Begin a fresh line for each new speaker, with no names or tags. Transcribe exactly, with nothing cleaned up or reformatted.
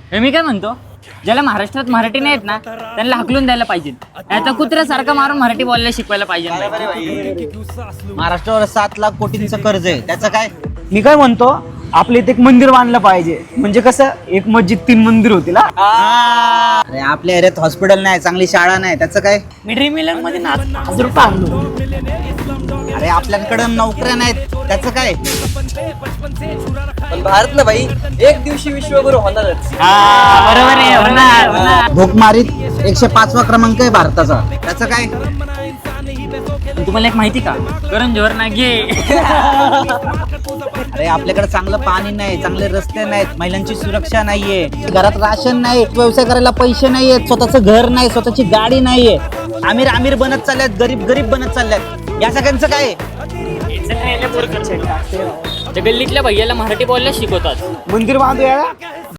हे मी काय म्हणतो, ज्याला महाराष्ट्रात मराठी नाही येत ना त्यांना हाकलून द्यायला पाहिजे. आता कुत्र्यासारखं मारून मराठी बोलायला शिकवायला पाहिजे.
महाराष्ट्रावर सात लाख कोटींचं कर्ज आहे, त्याचं काय?
मी काय म्हणतो, आपल्या इथे एक मंदिर बांधलं पाहिजे. म्हणजे कसं, एक मस्जिद तीन मंदिर होतील. हा.
अरे आपल्या एरियात हॉस्पिटल नाही, चांगली शाळा नाही, त्याचं काय?
मी ड्रीम इलेव्हन मध्ये नाच नाच रुपये आणलो.
अरे आपल्याकडे नोकऱ्या नाहीत, त्याचं काय?
पण भारत ना भाई एक दिवशी विश्वगुरु होणारच.
बरोबर आहे, होणार होणार.
भोकमारीत एकशे पाचवा क्रमांक आहे भारताचा, त्याचं काय?
पण तुम्हाला एक माहिती का, करण जोहर ना घे.
अरे आपल्याकडे चांगलं पाणी नाही, चांगले रस्ते नाहीत, महिलांची सुरक्षा नाहीये, घरात राशन नाही, व्यवसाय करायला पैसे नाहीयेत, स्वतःचं घर नाही, स्वतःची गाडी नाहीये. आमिर आमिर बनत चालल्यात, गरीब गरीब बनत चालल्यात. या सगळ्यांचं काय?
त्या गल्लीतल्या भैयाला मराठी बोलायला शिकवतात.
मंदिर बांधूया.